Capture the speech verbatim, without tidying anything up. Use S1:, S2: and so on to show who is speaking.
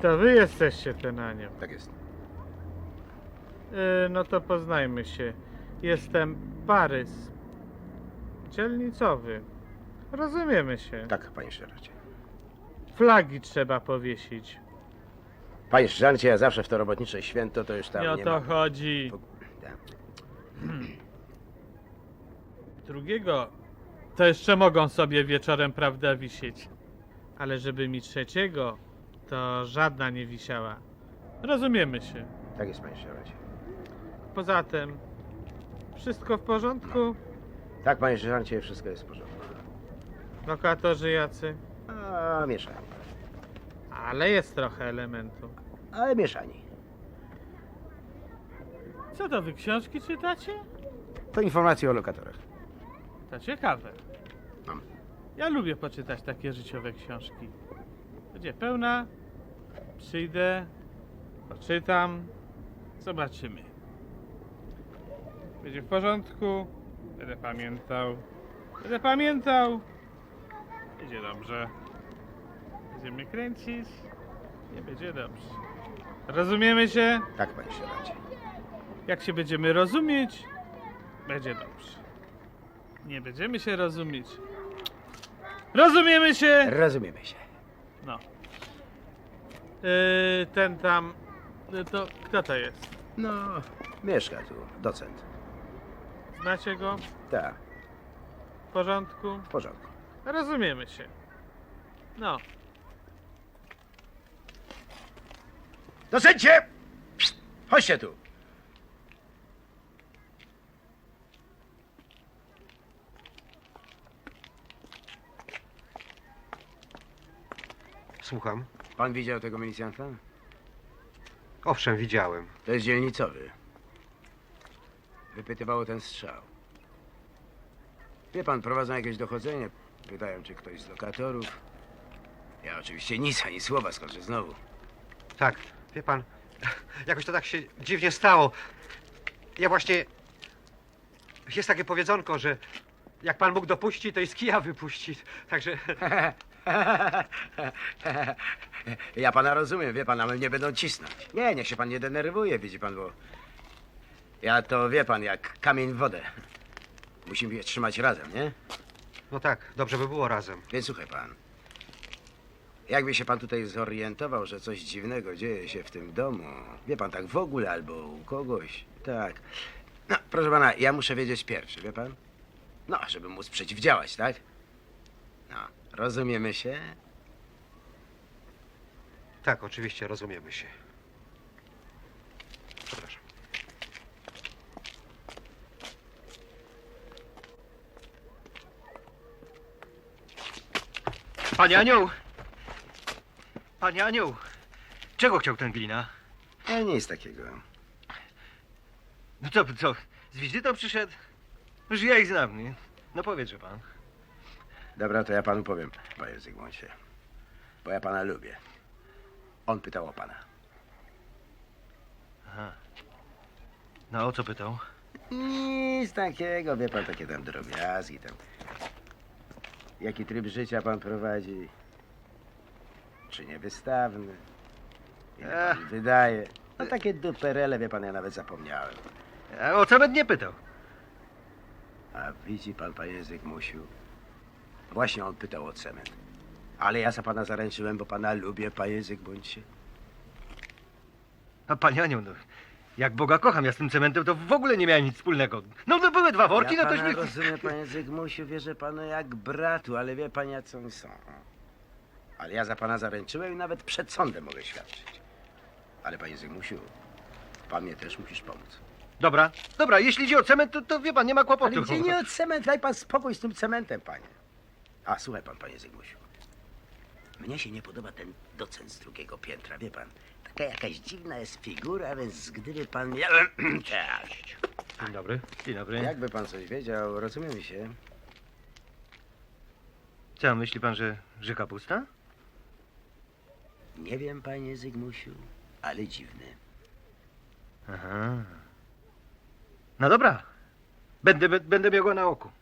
S1: To wy jesteście ten anioł.
S2: Tak jest.
S1: Yy, no to poznajmy się. Jestem Parys. Dzielnicowy. Rozumiemy się.
S2: Tak, panie sierżancie.
S1: Flagi trzeba powiesić.
S2: Panie sierżancie, ja zawsze w to robotnicze święto to już tam
S1: Nie o
S2: nie
S1: to
S2: ma.
S1: chodzi.
S2: Tak.
S1: Drugiego to jeszcze mogą sobie wieczorem, prawda, wisieć. Ale żeby mi trzeciego, to żadna nie wisiała. Rozumiemy się.
S2: Tak jest, panie sierżancie.
S1: Poza tym, wszystko w porządku?
S2: Tak, panie sierżancie, wszystko jest w porządku.
S1: Lokatorzy jacy?
S2: A, mieszani.
S1: Ale jest trochę elementu.
S2: Ale mieszani.
S1: Co to, wy książki czytacie?
S2: To informacje o lokatorach.
S1: To ciekawe.
S2: Mam.
S1: Ja lubię poczytać takie życiowe książki. Będzie pełna, przyjdę, poczytam, zobaczymy. Będzie w porządku, będę pamiętał, będę pamiętał, będzie dobrze. Będziemy kręcić, nie będzie dobrze. Rozumiemy się?
S2: Tak, panie sierżancie.
S1: Jak się będziemy rozumieć, będzie dobrze. Nie będziemy się rozumieć. Rozumiemy się!
S2: Rozumiemy się.
S1: No. Yy, ten tam. Yy, to kto to jest?
S2: No, mieszka tu, docent.
S1: Znacie go?
S2: Tak,
S1: W porządku?
S2: w porządku.
S1: Rozumiemy się. No.
S2: Docencie! Chodźcie tu.
S3: Słucham.
S2: Pan widział tego milicjanta?
S3: Owszem, widziałem.
S2: To jest dzielnicowy. Wypytywało ten strzał. Wie pan, prowadzą jakieś dochodzenie. Pytają, czy ktoś z lokatorów. Ja oczywiście nic, ani słowa, skoczę znowu.
S3: Tak, wie pan, jakoś to tak się dziwnie stało. Ja właśnie... Jest takie powiedzonko, że jak pan Bóg dopuści, to i z kija wypuści. Także...
S2: Ja pana rozumiem, wie pan, ale mnie będą cisnąć. Nie, niech się pan nie denerwuje, widzi pan, bo... Ja to, wie pan, jak kamień w wodę. Musimy je trzymać razem, nie?
S3: No tak, dobrze by było razem.
S2: Więc słuchaj pan. Jakby się pan tutaj zorientował, że coś dziwnego dzieje się w tym domu, wie pan, tak w ogóle albo u kogoś, tak. No, proszę pana, ja muszę wiedzieć pierwszy, wie pan? No, żeby móc przeciwdziałać, tak? No, rozumiemy się?
S3: Tak, oczywiście, rozumiemy się. Przepraszam.
S4: Panie Anioł! Panie Anioł! Czego chciał ten glina?
S2: E, nic takiego.
S4: No co, co, z wizytą przyszedł? Już ja ich znam, nie? No powiedz, pan.
S2: Dobra, to ja panu powiem, panie Zygmuncie. Bo ja pana lubię. On pytał o pana.
S4: Aha. No o co pytał?
S2: Nic takiego, wie pan, takie tam drobiazgi, tam. Jaki tryb życia pan prowadzi? Czy niewystawny? Ile pan wydaje? No takie duperele, wie pan, ja nawet zapomniałem.
S4: A o co nie pytał?
S2: A widzi pan, panie Zygmusiu? Właśnie on pytał o cement. Ale ja za pana zaręczyłem, bo pana lubię, panie Zygmuncie.
S4: A panie Anioł, no, jak Boga kocham, ja z tym cementem to w ogóle nie miałem nic wspólnego. No, no były dwa worki,
S2: Ja
S4: no
S2: pana
S4: tośmy...
S2: rozumiem, panie Zygmusiu, wierzę panu jak bratu, ale wie pan, jak oni są. Ale ja za pana zaręczyłem i nawet przed sądem mogę świadczyć. Ale panie Zygmusiu, pan mnie też musisz pomóc.
S4: Dobra, dobra, jeśli idzie o cement, to, to wie pan, nie ma kłopotu.
S2: Ale gdzie nie od cement, daj pan spokój z tym cementem, panie. A, słuchaj pan, panie Zygmusiu. Mnie się nie podoba ten docent z drugiego piętra, wie pan. Taka jakaś dziwna jest figura, więc gdyby pan miał... Cześć.
S4: Dzień dobry. Dzień dobry.
S2: Jakby pan coś wiedział, rozumiemy się.
S4: Co, myśli pan, że, że kapusta?
S2: Nie wiem, panie Zygmusiu, ale dziwny.
S4: Aha. No dobra. Będę, będę miał go na oku.